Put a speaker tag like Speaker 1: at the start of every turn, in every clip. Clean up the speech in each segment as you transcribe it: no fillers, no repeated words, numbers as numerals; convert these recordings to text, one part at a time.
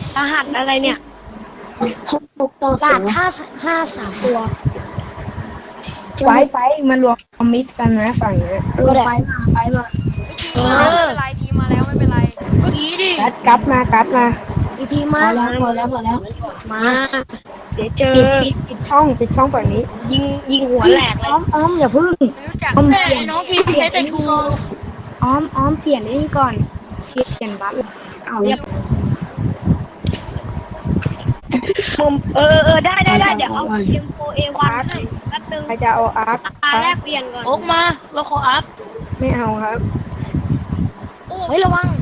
Speaker 1: รหัสอะไรเนี่ย
Speaker 2: 6 ต่อ 0
Speaker 1: 5 3 ตัว
Speaker 3: ไฟมันรวมมิตรกันนะฝั่งเนี้ย
Speaker 2: ก็ได้ไฟมา
Speaker 4: ทีมมาแล้วไม่เป็นไรทีมมาแล้วไม่เป็นไร
Speaker 1: ก็ดีดิ
Speaker 3: กัดมา
Speaker 2: อีทีมาพอแล้ว
Speaker 1: มาเดี๋ยวเจอ
Speaker 3: ปิดช่องฝั่งนี้
Speaker 1: ยิงหัวแหลกเลย
Speaker 3: อ้อมอย่าพึ่ง
Speaker 4: ไม่รู้จัก
Speaker 3: อ้อม
Speaker 4: แต่
Speaker 3: เปลี่ยน
Speaker 4: น้องพีใช้แต่ทู
Speaker 3: อ้อมเปลี่ยนนี่ก่อนเปลี่ยนบัฟ
Speaker 2: เอา
Speaker 1: มุมได้เดี๋ยวเอาเอ็มโฟเอวันให้แป๊บนึง
Speaker 3: ใครจะเอาอาร์ค
Speaker 1: แลกเปลี่ยนก่อน
Speaker 4: โอ๊กมาเราขออัพ
Speaker 3: ไม่เอาครับ
Speaker 2: เฮ้ยระวัง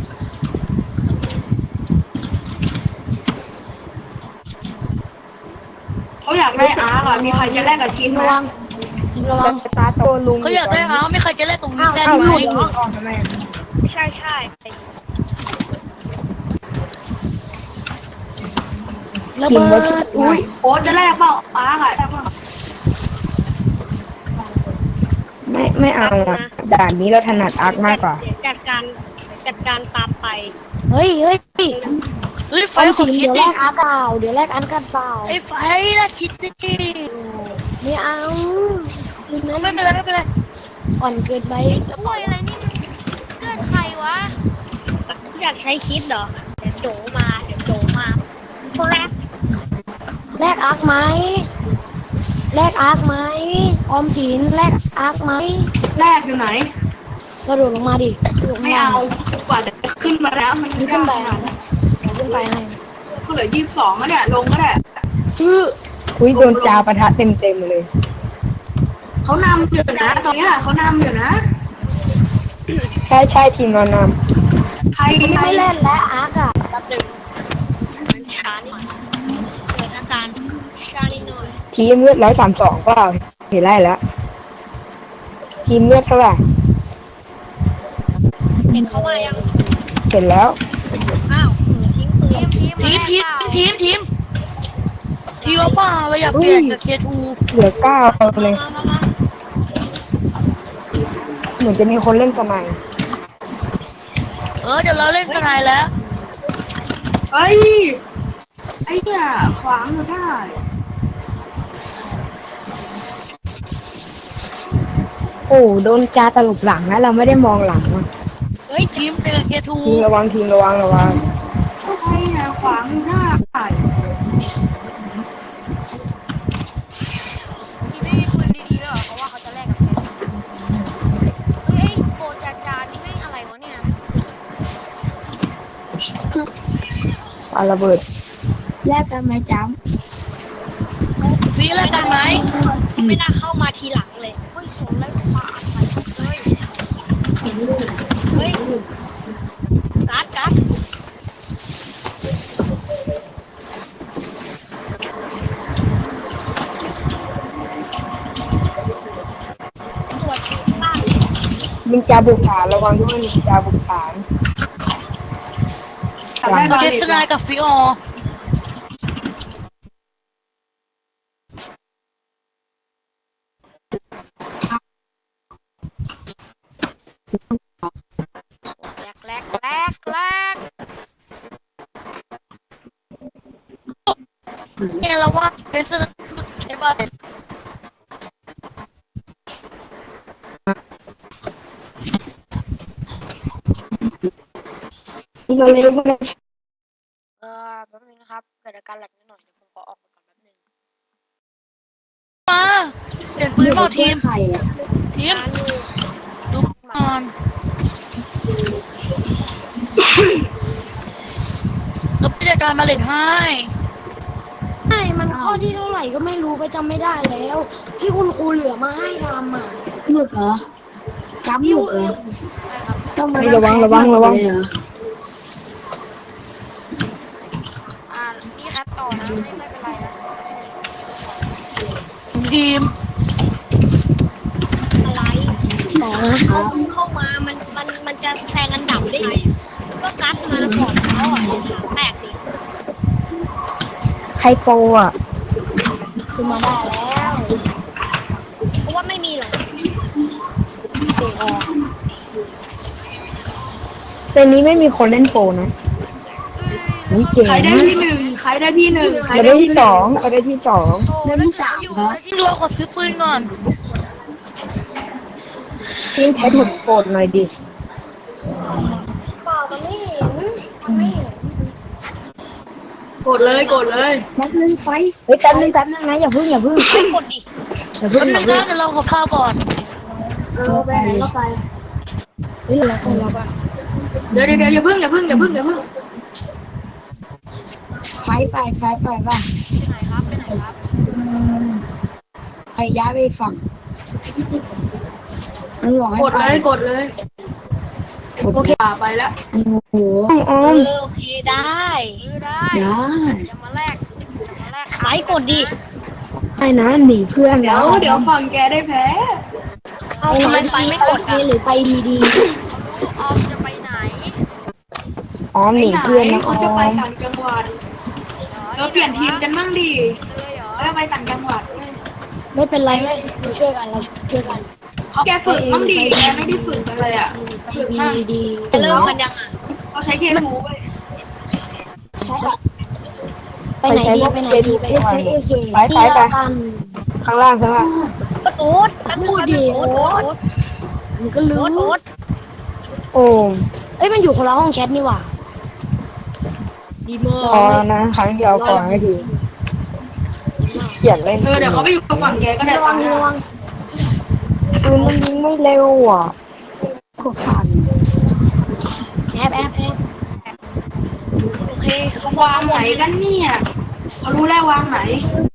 Speaker 1: เขาอยากได้อาร์ก่อนมีใครจะแลกกับทีม
Speaker 2: ระวังระวัง
Speaker 3: จะตาโตลุง
Speaker 4: เขาอยากได้เอาไม่ใครจะเล่นตรงนี้แซน
Speaker 3: เอา
Speaker 4: ไห
Speaker 3: ห
Speaker 4: ม
Speaker 3: ลุดออกทำไม
Speaker 1: ใช่
Speaker 2: ระเบิดอุ้ย
Speaker 1: โอ๊ตจะแลกเปล่าอาร์อะ
Speaker 3: ไม่เอาอ่ะด่านนี้เราถนัดอาร์คมากกว่า
Speaker 1: เดี๋ยวจัดการตามไป
Speaker 2: เฮ้ย
Speaker 4: เฮ้ยไฟ
Speaker 2: ออม
Speaker 4: ขอ
Speaker 2: สิน
Speaker 4: คิด
Speaker 2: เดี๋ยวแล
Speaker 4: ดิ
Speaker 2: กอาร์เปล่าเดี๋ยวแลกอันกันเปล่า
Speaker 4: ไอ้ไฟละคิดดิ
Speaker 2: ไม่เอาคืนนั้น
Speaker 4: ไม่เป็นไรไม่เป็นไร
Speaker 2: อ่อนเกินไป
Speaker 4: โอ้ยอะไรนี่เลือดใครวะ
Speaker 1: อยากใช้คิดเหรอเดี๋ยวโจมาแรก
Speaker 2: แลกอาร์คไหมแลกอาร์คไหมออมสินแลกอาร์คไหม
Speaker 1: แรกอยู่ไหน
Speaker 2: กระโดดลงมาดิ
Speaker 1: ไม่เอากว่าจะขึ้นมาแล้วมัน
Speaker 2: ขึ้นไปอ่ะขึ้นไปให้
Speaker 1: ก็เหลือ22แล้วเนี่ยลงก็ได้
Speaker 3: อุ้ยโดนจาปะทะเต็มเลย
Speaker 1: เขานำอยู่นะตอนนี้เขานำอยู่นะ
Speaker 3: ใช่ทีมเราน
Speaker 1: ใคร
Speaker 2: ไม่เล่นแล้วอาร์คอ่ะ
Speaker 1: แป๊บนึงมันช้านิดเกิดอาการช้านิดหน่อย
Speaker 3: ำทีมเลือด132เปล่าเห็นไล่แล้ว ทีมเลือดเท่าไหร่
Speaker 1: เห็นเขามายัง
Speaker 3: เห็นแล้ว
Speaker 1: อ้าวทิ้งปืน
Speaker 4: ทีมเอาเปล่าเราอยากเปลี่ยนกับเคทู
Speaker 3: เหลือ9เลย
Speaker 1: มา
Speaker 3: เหมือนจะมีคนเล่นสมัย
Speaker 4: เดี๋ยวเราเล่นสไนแล้ว
Speaker 1: เฮ้ยไอ้เนี่ยขวางอยู่ได้
Speaker 3: โอ้โดนจาตลบหลังนะเราไม่ได้มองหลังอ่ะ
Speaker 1: เฮ้ย
Speaker 4: ทีมเป็นกับเคทู
Speaker 3: ทีมระวัง
Speaker 1: ไอ้เนี่ยขวางอยู่ได้
Speaker 4: ทีมไม่มีปืนดีๆแล้วเหรอเพราะว่าเขาจะแลกกับเคทูเฮ้ยโบจานี่ให้อะไรวะเนี่ย
Speaker 3: ปาระเบิด
Speaker 2: แลกกันไหมจ้ำ
Speaker 4: ฟีแลกกันไหม
Speaker 1: ไม่น่าเข้ามาทีหลังเลยเฮ้ยสนแล้วปาดไปเลยเฮ้ยการ์ดตรวจบ้าน
Speaker 3: มินจาบุกฐานระวังด้วยมินจาบุกฐาน
Speaker 4: โอเคสไนกับฟิออ แรกเนี่ยเราว่าเป็นสใช่ป่ะ
Speaker 3: เราเล่น
Speaker 4: แป๊บนึงนะครับเกิดอาการแหลกนิดหน่อยเดี๋ยวผมขอออกไปก่อนแป๊บนึงมาเปลี่ยนปืนเปล่าทีม
Speaker 2: ไข่อ่ะ
Speaker 4: ทีมดูก่อนแล้วผู้จัดการมาเล่นให้
Speaker 2: ใช่มันข้อที่เท่าไหร่ก็ไม่รู้ไปจำไม่ได้แล้ว ที่คุณครูเหลือมาให้ทำอ่ะหยุดเหรอจ้ำหยุดเหรอต้องมา
Speaker 3: ระวัง
Speaker 2: เลยเหรอ
Speaker 4: นี่ครับต่อนะไม่เป็นไรนะทีม
Speaker 1: อะไร
Speaker 2: ต่อนะ
Speaker 1: เข้ามามันจะแซงอันดับได้ไงก็การ์ดมาก่อนเขาอ่ะแปลกดิ
Speaker 3: ใครโปรอ่ะ
Speaker 2: คือมาได้แล้ว
Speaker 1: เพราะว่าไม่มีหรอก
Speaker 2: เด็กออก
Speaker 3: เซนนี้ไม่มีคนเล่นโปรนะ
Speaker 2: โอ้
Speaker 3: ยเจ๋ง
Speaker 5: ใครได้ที่หนึ่งใครได้ที่หนึ่งใคร
Speaker 3: เรา
Speaker 5: ได้
Speaker 3: ได้
Speaker 5: ที่
Speaker 3: ที่
Speaker 5: ห
Speaker 3: ส
Speaker 5: นึ่
Speaker 3: อง งเราได้ที่สอง
Speaker 4: โอ้แล้วที่สามอยู่แล้วที่เรากดซื้อปืนก่อน
Speaker 3: ทีมใช้ถุดโกดหน่อยดิ
Speaker 2: เปล่ามันไม่เห็นมันไม่เห็น
Speaker 5: กดเลยกดเลย
Speaker 2: นัดนึงไฟ
Speaker 3: เฮ้ยแป๊บนึงนะอย่าพึ่ง
Speaker 1: กดดิ
Speaker 3: อย่าพึ่ง
Speaker 4: แป๊บนึงนะเดี๋ยวเราขอข้าวก่อน
Speaker 5: ไปไหนก็ไป
Speaker 3: เฮ้ยเราคนเราบ้าง
Speaker 5: เดี๋ยวอย่าพึ่งอย่าพึ่ง
Speaker 2: ไฟไปป่ะ
Speaker 4: ไปไหนครับไปไหนครับ
Speaker 2: ไปย้ายไปฝั่งมันบอกให้
Speaker 5: กด
Speaker 2: ไป
Speaker 5: เลยกดเลย
Speaker 2: โอเค
Speaker 5: ไปแล้ว
Speaker 2: โอ้โห
Speaker 3: ออม
Speaker 1: โอเคได้
Speaker 4: ได้
Speaker 2: ได้
Speaker 4: อย่ามาแลก
Speaker 1: ไม้กดดิ
Speaker 3: ไอ้นะหนีเพื่อน
Speaker 5: เดี๋ยวฝั่งแกได้แพ้
Speaker 1: เอาทำไมไฟไม่กด
Speaker 2: ไปหรือไปดี
Speaker 4: ออมจะไปไหน
Speaker 3: ออมหนีเพื่อนนะอ
Speaker 5: เขา
Speaker 3: อ
Speaker 5: จะไป
Speaker 3: ม
Speaker 5: ต่างจังหวัดเราเปลี่ยนทีมกันมั่งดิ
Speaker 4: เลยเหรอ
Speaker 5: เราจะไปต่างจังหวัด
Speaker 2: ๆไม่เป็นไรไม่เราช่วยกันเราช่วยกัน
Speaker 5: เขาแกฝึกมั่งดิแกไม่ได้ฝึกกันเลยอ่ะ
Speaker 2: ไป
Speaker 5: ฝึกมั่ง
Speaker 2: ดี
Speaker 1: จะเริ่มกันยังอ่ะ
Speaker 5: เขาใช้เคทูไป
Speaker 2: ๆใช่ไปไหนดีไปไหนดีไปไหน
Speaker 3: ใช้
Speaker 2: ดี
Speaker 3: เอเคไป
Speaker 2: ที่เรากัน
Speaker 3: ข้างล่าง
Speaker 1: โอ๊ตแป๊บนึง
Speaker 2: พูดดิ
Speaker 1: โอ๊ต
Speaker 2: มันก็รู้
Speaker 1: โอ๊ต
Speaker 3: โอ้
Speaker 2: เอ้ยมันอยู่คนละห้องแชทนี่หว่า
Speaker 1: ดีมาก
Speaker 3: พอแล้วนะครั้งเดียวก่อนให้ดีเปลี่ยนเล่น
Speaker 5: เดี๋ยวเขาไปอยู่ฝั่งแกก็ได้
Speaker 2: ระวังระวัง
Speaker 3: ปืนมันยิงไม่เร็วอ่ะ
Speaker 2: กดผ่านแอบ
Speaker 1: โอเคเขา
Speaker 5: วางไหนกันเนี่ยเขารู้แล้ววางไหน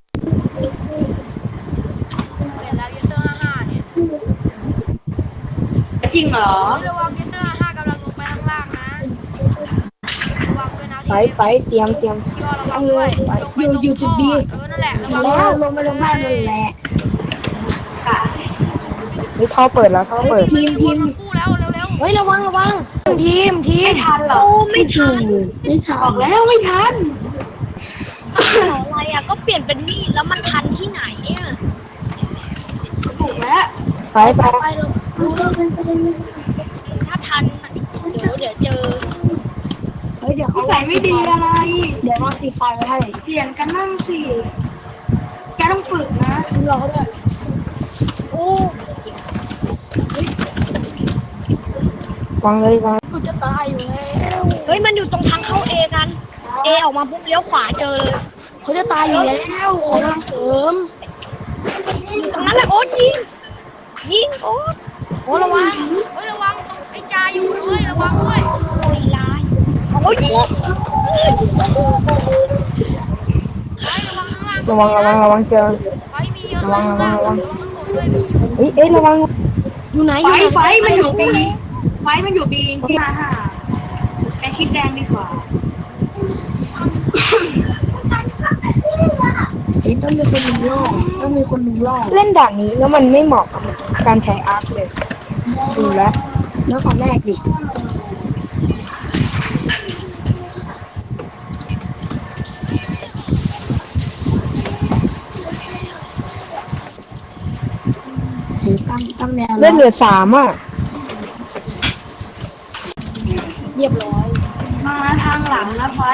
Speaker 4: เปลี่ยนแล้วยูเซอร์55เนี่ย
Speaker 5: จริงเหรอ
Speaker 4: ระวังยูเซอร์55กำลังลงไปข้างล่างนะระวังด้วยนะ
Speaker 3: ไปเตรียม
Speaker 4: พี่อระวังด้วยลงไปตรงท่อนั่นแหละระวัง
Speaker 2: แล้วลงไปลงได้นั่นแหละ
Speaker 3: นี่ท่อเปิดแล้วท่อเปิด
Speaker 4: ทีมกู้แล้วเร็ว
Speaker 2: เฮ้ยระวังทีม
Speaker 5: ไม่ทันหรอ
Speaker 1: โอ้ไม่ทัน
Speaker 2: ไม่ทั
Speaker 5: บอน กแล้วไม่ทัน
Speaker 1: อะไรอ่ะก็เปลี่ยนเป็นมีดแล้วมันทันที่ไหนอ่ะ
Speaker 5: ถูกแล้ว
Speaker 3: ไป
Speaker 2: ไปเรารู้แล้วเป็นประเด็น
Speaker 1: ถ้าทันเดี๋ยวเจอ
Speaker 2: เฮ้ยเดี๋ยวเขา
Speaker 5: ใส่ไม่ดีอะไร
Speaker 2: เดี๋ยวมาสีไฟไว้ให้
Speaker 5: เปลี่ยนกันนั่งสิแกต้องฝึกนะ
Speaker 2: ทิ้งเราเขาด้วย
Speaker 1: โอ้
Speaker 3: วางเลยวาง
Speaker 2: กูจะตายอยู่แล้ว
Speaker 1: เฮ้ยมันอยู่ตรงทางเข้าเอกันเอออกมาปุ๊บเลี้ยวขวาเจอเลย
Speaker 2: เขาจะตายอยู่แล้วขอกำลังเสริม
Speaker 1: อยู่ตรงนั้นแหละโอ๊ตยิงโอ๊ต
Speaker 2: โอ้ระวัง
Speaker 4: ๆเฮ้ยระวังตรงไอ้จาอยู่ด้วยระวังด้วย
Speaker 1: ไม่ลายโอ๊ย
Speaker 4: ไประวังข้างล่าง
Speaker 3: ระวังเจอ
Speaker 4: ไฟมีเยอะข้างล่างระวังข้างบนด้วยมี
Speaker 3: เอ้ยระวัง
Speaker 2: อยู่ไหนอ
Speaker 5: ไฟ
Speaker 2: ยู่ไหน
Speaker 5: ไฟมันอยู่บีไฟมันอยู่บีที่55ไปคิดแดงดีกว่า
Speaker 2: เฮ้ยต้องมีคนหนึ่งล่อต้องมีคนหนึ่งล่อ
Speaker 3: เล่นด่านนี้แล้วมันไม่เหมาะกับการใช้อาร์คเลยดูแล้ว
Speaker 2: แล้วขอแรกดิเฮ้ยตั้งแนว
Speaker 3: เล่นเหลือ3อ่ะ
Speaker 2: เรียบร้อย
Speaker 5: มาทางหลังนะไฟ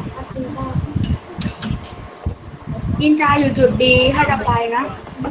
Speaker 5: ยินจาอยู่จุดดีถ้าจะไปนะ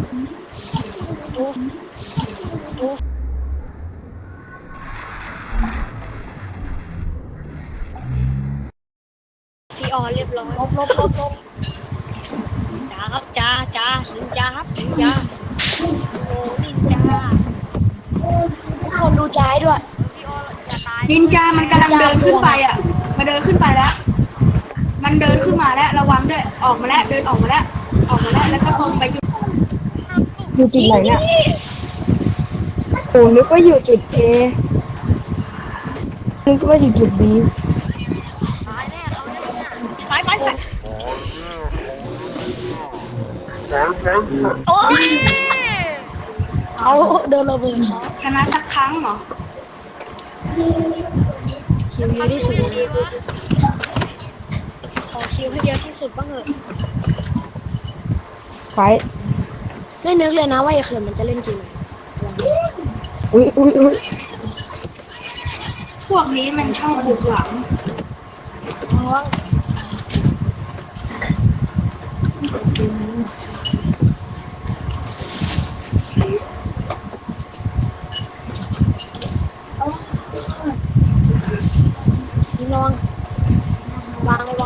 Speaker 1: พีออเรียบร้อยลบจ้าครับจ้านินจาครับนินจาโอ้นินจา
Speaker 2: ทุกคนดูใจด้วย
Speaker 4: พี่ออย่าตาย
Speaker 5: นินจามันกำลังเดินขึ้นไปอ่ะมาเดินขึ้นไปแล้ว มันเดินขึ้นมาแล้วระวังด้วยออกมาแล้วเดินออกมาแล้วแล้วก็ตรงไปจุด
Speaker 3: อยู่จุดไหนเนี่ยโอ้นึกว่าอยู่จุด A นึกว่าอยู่จุด B
Speaker 4: ตายแน่เขาเนี่ย
Speaker 1: ไปโอ้ย
Speaker 2: เขาเดินระเบิดเขา
Speaker 5: ชนะสักครั้งเหรอ
Speaker 2: คิวเยอะที่สุด
Speaker 4: ดีวะ
Speaker 1: ขอคิวให้เยอะที่สุดบ้างเถอะ
Speaker 3: ไฟ
Speaker 2: ไม่นึกเลยนะว่าไอ้เขินมันจะเล่นจริง
Speaker 3: อุ้ย
Speaker 5: พวกนี้มันชอบบุกหลัง
Speaker 2: เพราะว่า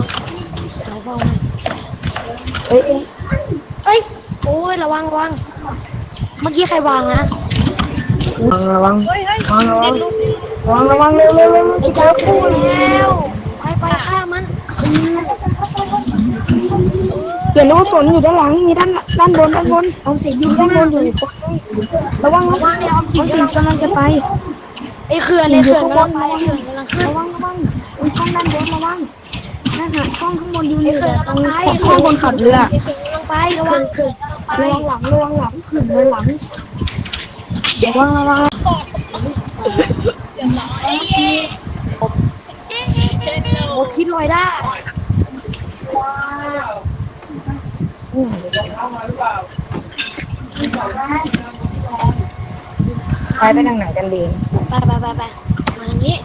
Speaker 2: วังเราเฝ้าให้
Speaker 3: เอ้ยเอ้ย
Speaker 2: เอ้ยโอ้ยระวังระวังเมื่อกี้ใครวางนะ
Speaker 3: ระวัง
Speaker 1: เฮ้ยเฮ้ย
Speaker 3: ระวัง
Speaker 1: เด็ดลูก
Speaker 3: ระวังเร็วเร็วเร็ว
Speaker 2: ไอ้จ้าคู่แล้วไปฆ่ามันอืม
Speaker 3: เดี๋ยวลูกฝนอยู่ด้านหลังมีด้านบนออมสินอยู่ข้างบนอยู่ระวัง
Speaker 2: ระวังเดี๋ยวออมสิน
Speaker 3: กำลังจะไป
Speaker 2: ไอ้เขื่อนกำลังไปเขื่อนกำลังขึ้น
Speaker 3: ระวังช่องด้านบนระวังนั่นน่ะช่องข้างบนอยู่
Speaker 2: ไอ้
Speaker 3: นี่
Speaker 2: เขื่อนกำลังไป
Speaker 3: ข้างบนขับเรือ
Speaker 2: ไอ้เขื่อนกำลังไประวังเขื่อนกำลังไป
Speaker 3: ระวังหลังขึ้นเลยหลังระวัง
Speaker 2: โอ้คิดลอยได้
Speaker 3: ไปทางไหนกันดี
Speaker 2: ไปมาทางนี้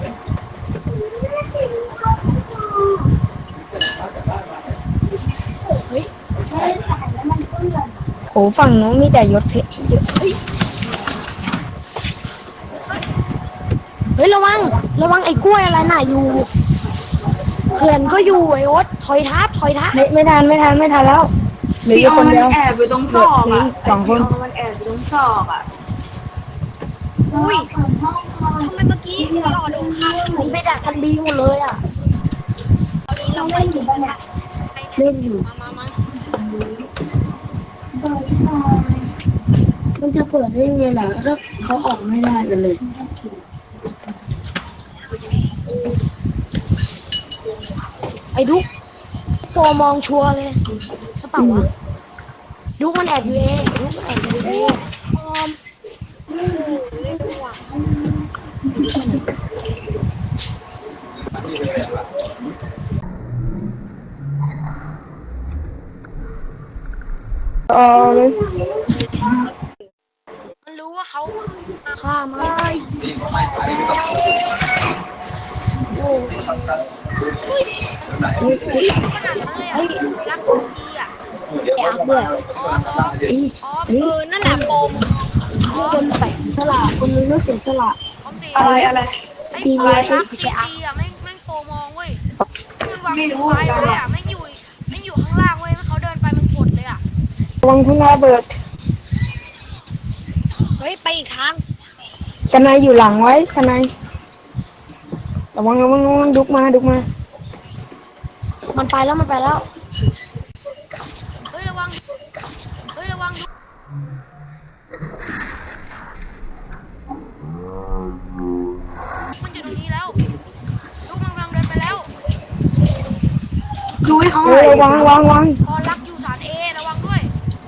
Speaker 2: เฮ้ย
Speaker 3: โหฝั่งนู้นมีแต่ยศเพชร
Speaker 2: เฮ้ยระวังไอ้กล้วยอะไรน่ะอยู่เขื่อนก็อยู่ไอ้โอ๊ตถอยทับ
Speaker 3: ไม่ทันแล้วเหลือ
Speaker 5: พี่
Speaker 3: อยู่
Speaker 5: อ
Speaker 3: ค
Speaker 5: อน
Speaker 3: น
Speaker 5: มัน
Speaker 3: เดียว
Speaker 5: แอบอยู่ตรงซอกอ่ะ
Speaker 3: สองคน
Speaker 5: พี่ออนมันแอบอยู่ตรงซอกอ่ะ
Speaker 1: อุ้ยทำไมเมื่อกี้เราโดนฆ่า
Speaker 2: มันไปดักกันบีหมดเลยอ่ะ
Speaker 1: ตอนนี้เราไม่อยู่บ้าน
Speaker 2: เล่นอยู่
Speaker 1: มา
Speaker 2: มันจะเปิดได้ยังไงล่ะถ้าเขาออกไม่ได้กันเลยไอ้ดุ๊กโปรมองชัวร์เลยกระเป๋าวะดุ๊กมันแอบอยู่ดุ๊กมันแอบอยู่
Speaker 1: ออมโอ้ยเล่นหวัง
Speaker 3: เลย
Speaker 4: มันรู้ว่าเขา
Speaker 2: ฆ่ามันโอ้
Speaker 4: ขนาดนั้นเลยอ่ะรักของดีอ่ะ
Speaker 2: ไอ้อักด้วย
Speaker 4: อ๋อ
Speaker 1: นั่นน่ะโปม
Speaker 2: คนแปลกสละคนนึงก็เสียสละ
Speaker 4: ของดี
Speaker 5: อะไร
Speaker 4: ไอ้ปลายรักดีอ่ะแม่งโปรมองเว้ยคือวางไว้เลยอ่ะแม่งอยู่ข้างล่างเว้ยเขาเดินไปมันกดเลยอ่ะ
Speaker 3: ระวังคุณระเบิด
Speaker 1: เฮ้ยไปอีกทาง
Speaker 3: สนายอยู่หลังไว้สนายระวังดุกมา
Speaker 2: มันไปแล้ว
Speaker 4: เฮ้ยระวังมันอยู่ตรงนี้แล้วลูกมันกำลังเดินไปแล้ว
Speaker 5: ดูให้เขาห
Speaker 3: เฮ้
Speaker 5: น่อย
Speaker 3: ยวาง
Speaker 4: พอรักอยู่ฐานเอระวังด้วย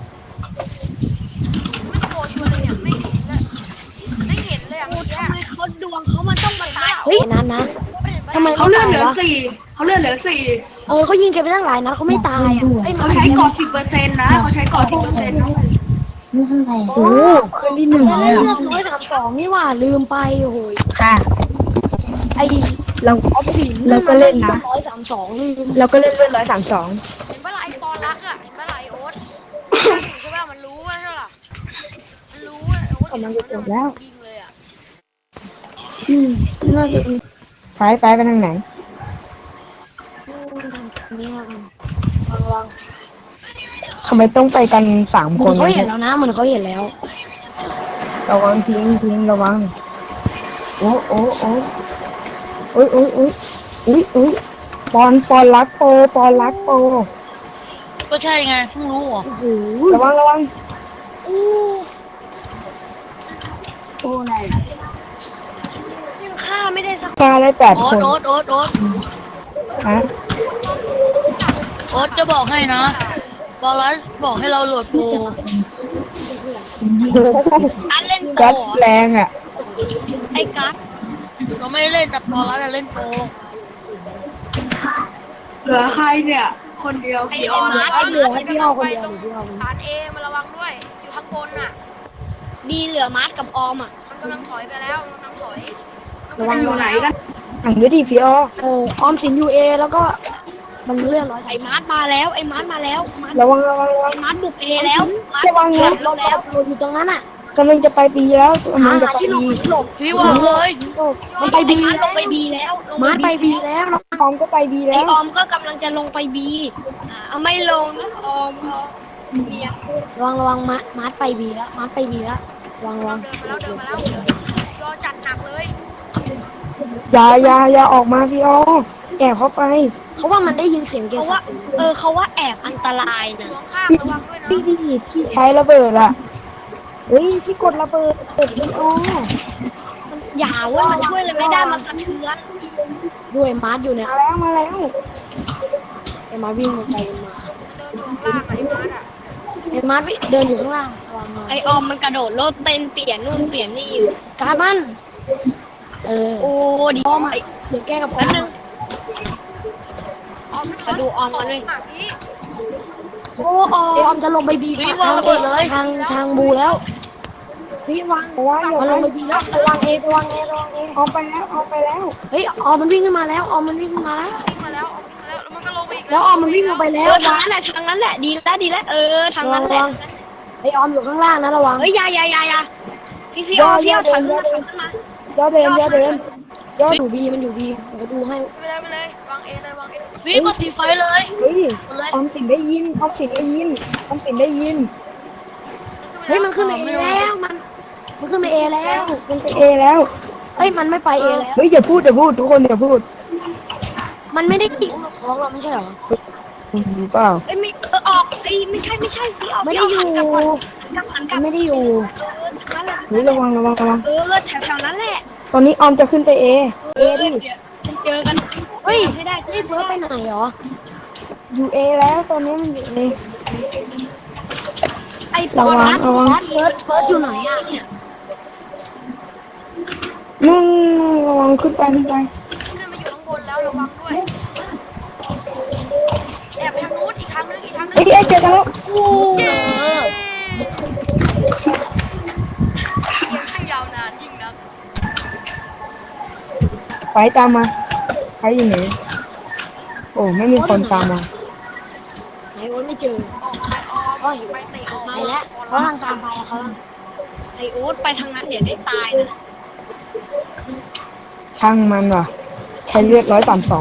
Speaker 4: ไม่โปรชัวร์เลยเนี่ยไม่เห็นเลยเมื่อกี้
Speaker 1: ทำไมเขาดวงเขามันต้องมาตาย
Speaker 2: เฮ้ยนั้นนะทำไม
Speaker 5: เขา
Speaker 2: ไม่
Speaker 5: เลือด
Speaker 2: ตาย
Speaker 5: เหลือ
Speaker 2: วะ
Speaker 5: สี่
Speaker 2: เขายิงแกไปตั้งหลายนัดเขาไม่ตายอ่ะเอ้ย
Speaker 5: เขาใช้ก่อ10%นะเขาใช้ก่อ10%นะ
Speaker 3: โอ้ขึ้นที่หนึ่ง
Speaker 2: เลื
Speaker 3: เลย
Speaker 2: อด132นี่หว่าลืมไปโอ้โห
Speaker 3: ค่ะ
Speaker 2: ไอ้
Speaker 3: เรา
Speaker 2: ออฟสิน
Speaker 3: เราก็เล่นนะ
Speaker 2: 132ลืม
Speaker 3: เราก็เล่นเลือด132
Speaker 4: เห็นปะล่ะไอ้ปอรักอ่ะเห็นปะล่ะไอ้โอ๊ตใช่ปะมันรู้ว่าใช่ปะมันรู้ว่าโอ๊ต
Speaker 3: กำลังจะจบแล้ว
Speaker 4: ยิงเลยอ่ะ
Speaker 3: น่าจะไฟไปทางไหน
Speaker 2: นี่แล้วกันวาง
Speaker 3: ทำไมต้องไปกัน3
Speaker 2: เห
Speaker 3: ค
Speaker 2: มือน นเขาเห็นแล้วนะเหมือนเขาเห็นแล้ว
Speaker 3: ระวังทิ้งระวังโอ้ปอนรักโป
Speaker 1: ก็ใช่ไงเพิ่งรู้เหรอ
Speaker 2: โอ้โห
Speaker 3: ระวัง
Speaker 2: โอ้ไหน
Speaker 1: ยังฆ่าไม่ได้สัก
Speaker 3: มาได้8 คน
Speaker 1: โอ๊ต
Speaker 3: ฮะ
Speaker 1: โอ๊ตจะบอกให้นะบอลลัสบอกให้เราโหลดโปรอันเล่นโปร
Speaker 3: กัดแรงอ่ะ
Speaker 1: ไอ้กัสเราไม่ได้เล่นแต่บอลลัสเล่นโปร
Speaker 5: เหลือใครเนี่ย คนเดียว
Speaker 4: ไอ้
Speaker 5: พี่
Speaker 4: อ
Speaker 5: อ
Speaker 4: อ
Speaker 5: อน น
Speaker 2: ให้เหลือให้พี่เอาคนเดียว
Speaker 4: ตรงฐานเอมาระวังด้วย อยู่ข้างบนน่ะ
Speaker 1: ดีเหลือมาร์ทกับออมอ่ะ
Speaker 4: มันกำลังถอยไปแล้วมันกำลังถอย
Speaker 5: ระวังอยู่ไหนกัน
Speaker 3: หันด้วยดิพี่อ้อ
Speaker 2: ออมสินยูเอแล้วก็มันเลื่อน
Speaker 1: ไอ้มาร์ทมาแล้วมาร์ท
Speaker 3: ระวัง
Speaker 1: มาร์ทบุกเอแล้วมาร์ท
Speaker 3: ระวังนะ
Speaker 1: แล้ว
Speaker 2: หลบอยู่ตรงนั้นอ่ะ
Speaker 3: กำลังจะไปบีแล้วกำลั
Speaker 2: หาง
Speaker 3: จะไป
Speaker 2: ที่หลบ
Speaker 3: บี
Speaker 2: ที่หลบ
Speaker 4: ฟีวางเลย
Speaker 2: มันไปบี
Speaker 1: ล
Speaker 2: แล้
Speaker 1: ง
Speaker 2: ว
Speaker 1: ไปบีแล้วลง
Speaker 2: มาร์ทไปบีแล้ว
Speaker 3: ออมก็ไปบี
Speaker 1: ไอ
Speaker 3: แล้ว
Speaker 1: ออมก็กำลังจะลงไปบีเอาไม่ลงนะออมเมีย
Speaker 2: ระวังมาร์ทไปบีแล้วมาร์ทไปบีแล้วระวัง
Speaker 4: เดินมาแล้วยอจัดหนักเลย
Speaker 3: อย่าออกมาพี่ออแอบเข้าไป
Speaker 2: เขาว่ามันได้ยินเสียงเก
Speaker 1: เขา
Speaker 2: สั
Speaker 1: ว่า
Speaker 2: บ
Speaker 1: เขาว่าแอบอันตรายนะ
Speaker 4: อยู่ข้างระวังด้วยนะ
Speaker 3: พี่ใช้ระเบิดอะเฮ้ยพี่กดระเบิดพี่ออ
Speaker 1: อย่าเว่ามันช่วยอะไรไม่ได้มันสะเทือน
Speaker 2: ด้วยมาร์ทอยู่เนี่ย
Speaker 3: มาแล้ว
Speaker 2: ไอ้มาร์ทวิ่งลงไปมา
Speaker 4: เดินอยู่ข้างล่างไอ้มาร์ทอ่ะ
Speaker 2: ไอ้มาร์ทเดินอยู่ข้างล่างระวังหน่อย
Speaker 1: ไอออมมันกระโดดโลดเต้นเปลี่ยนนู่นเปลี่ยนนี่อยู่
Speaker 2: การมัน
Speaker 1: โอ้ดี
Speaker 2: ออมเดี๋ยวแก้กับออ
Speaker 1: แป๊บ
Speaker 2: ม
Speaker 1: นึง
Speaker 4: ออมไม่
Speaker 1: มาดูออมกันเลย
Speaker 4: พี่
Speaker 1: โอ้ออ
Speaker 2: ไอ้ออ
Speaker 1: ม
Speaker 2: มจะลงไปบีทางทางบูแล้วพี่วาง
Speaker 3: เพราะว่าอย่า
Speaker 2: มัน
Speaker 3: ไป
Speaker 2: ลงไปบีแล้วระวังเอระวังเอ
Speaker 3: เอาไปแล้ว
Speaker 2: เฮ้ยออมมันวิ่งขึ้นมาแล้วออมมันวิ่งขึ้นมาแล้ว
Speaker 4: วิ่งมาแล้วแล้วมันก็ลงไปอีก
Speaker 2: แล้วออมมันวิ่งลงไปแล้ว
Speaker 1: ทางนั้นแหละทางนั้นแหละดีแล้วทาง
Speaker 2: ระวั
Speaker 1: นั้
Speaker 2: ง
Speaker 1: นแห
Speaker 2: ระ
Speaker 1: ละ
Speaker 2: วังไอ้ออมอยู่ข้างล่างนะระวัง
Speaker 1: เฮ้ยอย่าพี่ออมถอยขึ้นมา
Speaker 3: ย่อเดิน
Speaker 2: มันอยู่บีเดี๋ยวดูให้
Speaker 4: ไปเลยวางเอเลยวางเอ
Speaker 2: ฟีก็สีไฟเลย
Speaker 3: เฮ้ยออมสินได้ยิน
Speaker 2: เฮ้ยมันขึ้นไปเอแล้วมันขึ้นไปเอแล้ว
Speaker 3: มันไปเอแล้ว
Speaker 2: เฮ้ยมันไม่ไปเอแล้ว
Speaker 3: เฮ้ยอย่าพูดทุกคนอย่าพูด
Speaker 2: มันไม่ได้ติดท้องเราไม่ใช่เหรอ
Speaker 3: รู้เปล่า
Speaker 1: เอ้ยไม่ออกไอ้ไม่ใช่พี่ออก
Speaker 2: ไม่ได้อยู่
Speaker 1: หันก
Speaker 2: มั
Speaker 1: ลั
Speaker 2: น
Speaker 1: บ
Speaker 2: ไม่ได้อยู่
Speaker 1: ทางนั้นแหละ
Speaker 3: เฮ้ยระวัง
Speaker 1: แถวนั้นแหละ
Speaker 3: ตอนนี้ออมจะขึ้นไปเอดิ
Speaker 1: เจอกัน
Speaker 2: เฮ้ย
Speaker 1: ไม่ได้
Speaker 2: นี่เฟิร์สไปไหนเหรอ
Speaker 3: อยู่เอแล้วตอนนี้มันอยู่เอ
Speaker 1: ไอ้ปอ
Speaker 3: ระวั
Speaker 1: รั
Speaker 3: ง
Speaker 1: ด
Speaker 2: เฟิร์สอยู่ไหนอ่ะ
Speaker 3: มึงระวังขึ้นไป
Speaker 4: ขึ้นมาอยู่ข้างบนแล้วระวังด้วยแอบไปทางนู้นอีกทางนึง
Speaker 3: เอ้ยเจอกันแล้ว
Speaker 4: เย้เกมช่างยาวนานยิ่งนัก
Speaker 3: ไปตามมาไปอยู่ไหนโอ้ไม่มีคนตามมา
Speaker 2: ไหนโอ๊ตไม่เจอ
Speaker 4: ออกไปออมไปเตะออก
Speaker 2: ไปแล้วเขากำลังตามไปเขา
Speaker 1: ไอ้โอ๊ตไปทางนั้นเดี๋ยวได้ตายนะ
Speaker 3: ช่างมันว่ะใช้เลือด132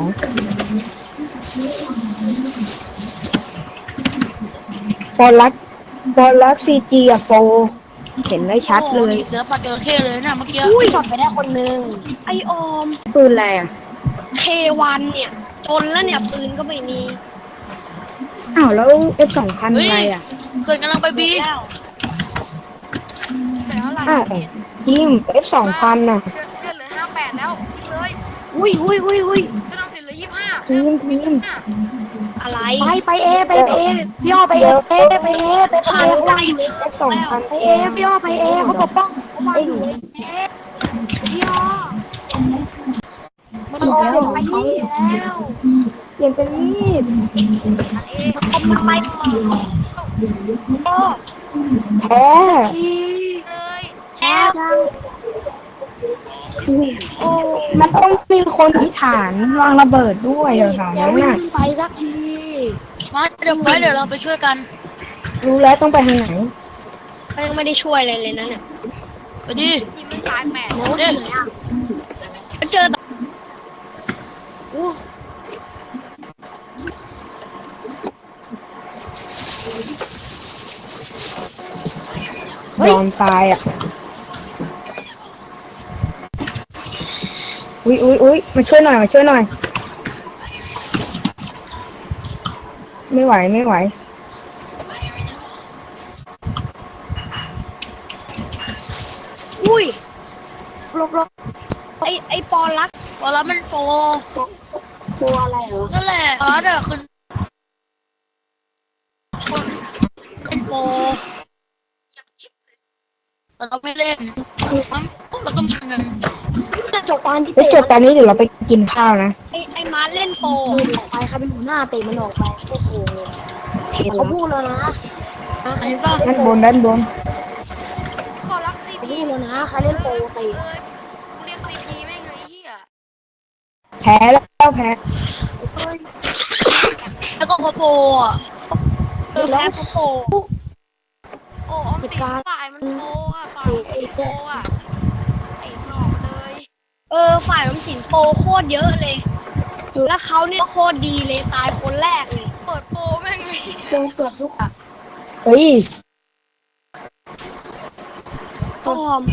Speaker 3: บอลลักซีจีอะโปเห็นได้ชัดเลย
Speaker 4: เสือปัดจระเข้เลยนะเมื่อกี้
Speaker 2: อุ้ยจอดไปได้คนนึง
Speaker 1: ไอ้ออม
Speaker 3: ปืนอะไรอ่ะ
Speaker 1: K1 เนี่ยจนแล้วเนี่ยปืนก็ไม่มี
Speaker 3: อ้าวแล้ว F2 คันอะไรอ่ะ
Speaker 4: เกิดกำลังไปบี
Speaker 1: แล้วแต่เท่าไหร่
Speaker 3: อ้าวทีม F2 คันน่ะ
Speaker 4: เลือดเหลือ58แล้วเลย
Speaker 2: อุ้ย
Speaker 4: ก็ต้องติดเหลือ25
Speaker 3: ทีม
Speaker 1: อะไร
Speaker 2: ไปเอพี่อ้อไปเอเขาวางอยู่
Speaker 3: F2 คัน
Speaker 2: ไปเอพี่อ้อไปเอเขาปกป้องเขาวางอยู่เอพี่อ้อมันออกแล้วไปเอแล้ว
Speaker 3: เปลี่ยนเป็นมีด
Speaker 1: ทำไมก็
Speaker 3: แพ้
Speaker 2: ที
Speaker 4: เลย
Speaker 2: ช้าจัง
Speaker 3: มันต้องมีคนที่ฐานวางระเบิดด้วยเหรอคะ
Speaker 2: อย่า
Speaker 3: นั่น
Speaker 2: วิ่ง
Speaker 3: น่ะ
Speaker 2: ขึ้นไปสักที
Speaker 4: มาเดี๋ยวเราไปช่วยกัน
Speaker 3: รู้แล้วต้องไปทางไหน
Speaker 1: เขายังไม่ได้ช่วยอะไรเลยนะเนี่ย
Speaker 4: ไปดิยิงไม่ตาย8
Speaker 2: โน้ตอยู่ไหนอ่ะ
Speaker 1: เจอ
Speaker 2: โอ้
Speaker 3: ยอมตายอ่ะอุ้ยมาช่วยหน่อย ไม่ไหว
Speaker 1: อุ้ย
Speaker 2: ลบ
Speaker 1: ไอ้ปอรัก
Speaker 4: พอแล้วมันโป
Speaker 2: ตัวอะไรเหรอ
Speaker 4: นั่นแหละเดี๋ยวขึ้นเป็นโปแต่เราไม่เล่นมันเราก็มัน
Speaker 2: จะจบตอนที่
Speaker 3: ไปจบตอนนี้เดี๋ยวเราไปกินข้าวนะ
Speaker 1: ไอ้มาร์เล่นโป
Speaker 2: ออกไปใครเป็นหัวหน้าเตะมันออกไปโอ้โห
Speaker 3: เห็น
Speaker 2: เขาพูดแล้วนะ
Speaker 4: อันนี้ป่ะ
Speaker 3: ด้านบน
Speaker 4: ขอรักซี
Speaker 2: เขา
Speaker 4: พี
Speaker 2: พูดแล้วนะใครเล่นโปรเตะ
Speaker 4: เรียกซีพีแม่งเลยเฮีย
Speaker 3: แพ้แล้วแพ้
Speaker 2: เฮ้ย
Speaker 4: แล้วก็โปอ่ะ
Speaker 1: แพ้โป
Speaker 4: โอ้ออมสินฝ่ายมันโปอ่ะฝ่าย
Speaker 2: ไอ้
Speaker 4: โปอ่ะไอ้มันออกมาเลย
Speaker 1: ฝ่ายออมสินโปรโคตรเยอะเลย แล้วเขาเนี่ยโคตรดีเลยตายคนแรกเลย
Speaker 4: เปิดโปรแม่งเลย
Speaker 2: โดนเกือบทุกอ่ะ
Speaker 3: เฮ้ย
Speaker 1: อ้อม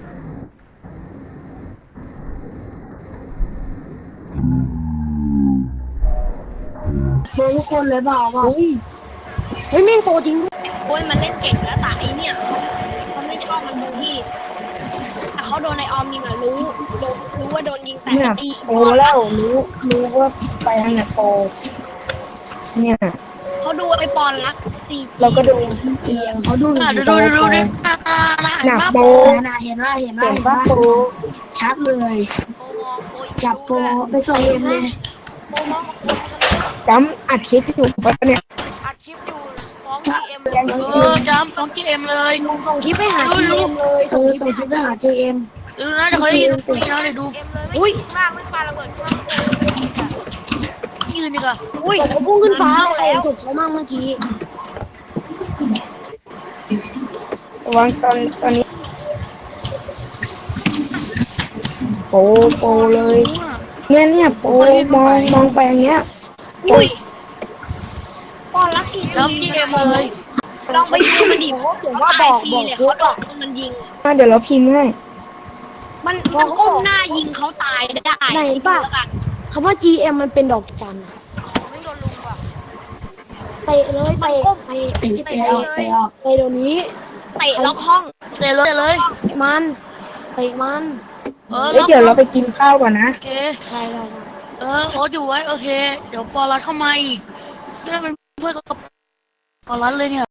Speaker 2: มาทุกคนเลยเปล่า
Speaker 3: เฮ้ย
Speaker 2: เฮ้ยแม่งโปรจริงด้วย
Speaker 1: โอ้ยมันเล่นเก่งแล้วแต่ไอเนี่ยเขาไม่ชอบมันบูลลี่แต่เขาโดนไอออมยิงอ่ะรู้ว่าโดนยิงแต่
Speaker 3: เนี่ย
Speaker 1: ไอ้
Speaker 3: โปรแล้วรู้ว่าไปทางไหนโปรเนี่ย
Speaker 1: เขาดูไอปอนรักซี
Speaker 3: เราก็ดู
Speaker 2: เขาดู
Speaker 3: ดูหนักโปร
Speaker 2: เห็นว่า
Speaker 3: เห็นว่าโปร
Speaker 2: ชัดเลย
Speaker 4: โปรมองโปรยิง
Speaker 2: จับโปร
Speaker 4: ด้วย
Speaker 2: ไปส่งเอ็มเลย
Speaker 4: โปรมองกับโปรยิงทะลุ
Speaker 3: จำอัดคลิปอยู่ปะเนี่ย
Speaker 4: อัดคลิปอยู่ฟ้องทีเอ็ม
Speaker 2: จำส่งทีเอ็มเลยส่งคลิปไปหาทีเอ็มเลยส่งคลิปไปหาทีเอ็ม
Speaker 4: ดูนะเดี๋ยวเขายิงคุยนะเดี๋ยวดูเอ็มเลยไม่ยิงล่างไม่ปาระเบิดข้างล่างยืนดีกว่า
Speaker 1: อุ้ย
Speaker 2: เขาพุ่งขึ้นฟ้าใครสุดเขามากเมื่อกี้
Speaker 3: ระวังตอนนี้โปรเลยเนี่ยโปรมองไปอย่างเงี้ย
Speaker 1: อุ้ยปอนรักซี
Speaker 4: จับทีเอ็มเลย
Speaker 1: ลองไปดูมันดิว่าบอกเลยเขาโดนมันยิง
Speaker 3: เดี๋ยวเราพิมพ์ให้
Speaker 1: มันก้มหน้ายิงเขาตายได้
Speaker 2: ไหนป่ะคำว่า GM มันเป็นดอกจัน
Speaker 4: ไม่โดนลุงว่ะ
Speaker 2: เตะเลยเตะเดี๋ยวนี้
Speaker 1: เตะล็อกห้อง
Speaker 4: เตะเลย
Speaker 2: มันเตะมัน
Speaker 3: เดี๋ยวเราไปกินข้าวก่อนนะ
Speaker 4: โอเค
Speaker 2: ใช่
Speaker 4: โค้ชอยู่ไว้โอเค เดี๋ยวปอรัดเข้ามาอีกเพื่อนเป็นเพื่อนกับปอรัดเลยเนี่ย